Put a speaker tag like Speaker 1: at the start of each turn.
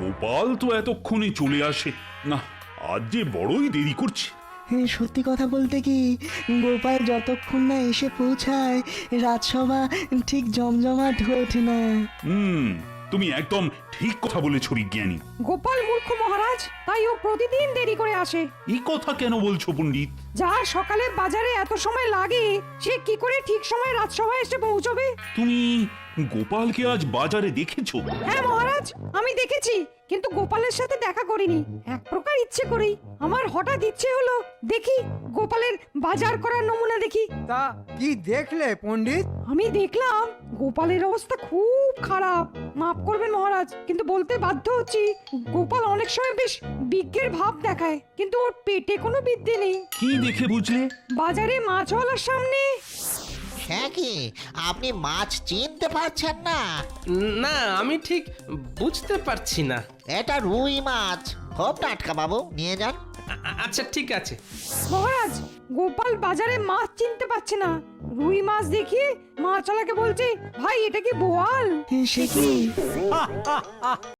Speaker 1: গোপাল তো এতক্ষণে চলে আসে না, আজ যে বড়ই দেরি করছে।
Speaker 2: সত্যি কথা বলতে কি, গোপাল যতক্ষণ না এসে পৌঁছায় রাজসভা ঠিক জমজমাট হয়ে ওঠে না।
Speaker 1: তুমি একদম ঠিক কথা বলেছো বিজ্ঞানী।
Speaker 3: গোপাল মূর্খ মহারাজ, তাই ও প্রতিদিন দেরি করে আসে।
Speaker 1: এই কথা কেন বলছো পণ্ডিত?
Speaker 3: যার সকালে বাজারে এত সময় লাগে, সে কি করে ঠিক সময় রাজসভায় এসে পৌঁছবে?
Speaker 1: তুমি গোপালকে আজ বাজারে দেখেছো?
Speaker 3: হ্যাঁ মহারাজ, আমি দেখেছি, কিন্তু গোপালের সাথে দেখা করিনি। এক প্রকার ইচ্ছে করেই। আমার হঠাৎ ইচ্ছে হলো দেখি গোপালের বাজার করার নমুনা দেখি।
Speaker 4: তা কি দেখলে পণ্ডিত?
Speaker 3: আমি দেখলাম গোপালের অবস্থা খুব খারাপ। মাফ করবেন মহারাজ, কিন্তু বলতে বাধ্য হচ্ছি, গোপাল অনেক সময় বেশ বিজ্ঞের ভাব দেখায়, কিন্তু ওর পেটে কোনো বিদ্যে নেই।
Speaker 1: কি দেখে বুঝলে?
Speaker 3: বাজারে মাছওয়ালার সামনে।
Speaker 5: হ্যাঁ কি আপনি মাছ চিনতে পারছেন না?
Speaker 6: না, আমি ঠিক বুঝতে পারছি না।
Speaker 5: এটা রুই মাছ, খুব টাটকা বাবু, নিয়ে যান।
Speaker 6: আচ্ছা ঠিক আছে।
Speaker 3: মহারাজ, গোপাল বাজারে মাছ চিনতে পারছে না। রুই মাছ দেখিয়ে মাছওয়ালাকে বলছে, ভাই এটা কি বোয়াল?
Speaker 2: সে কি?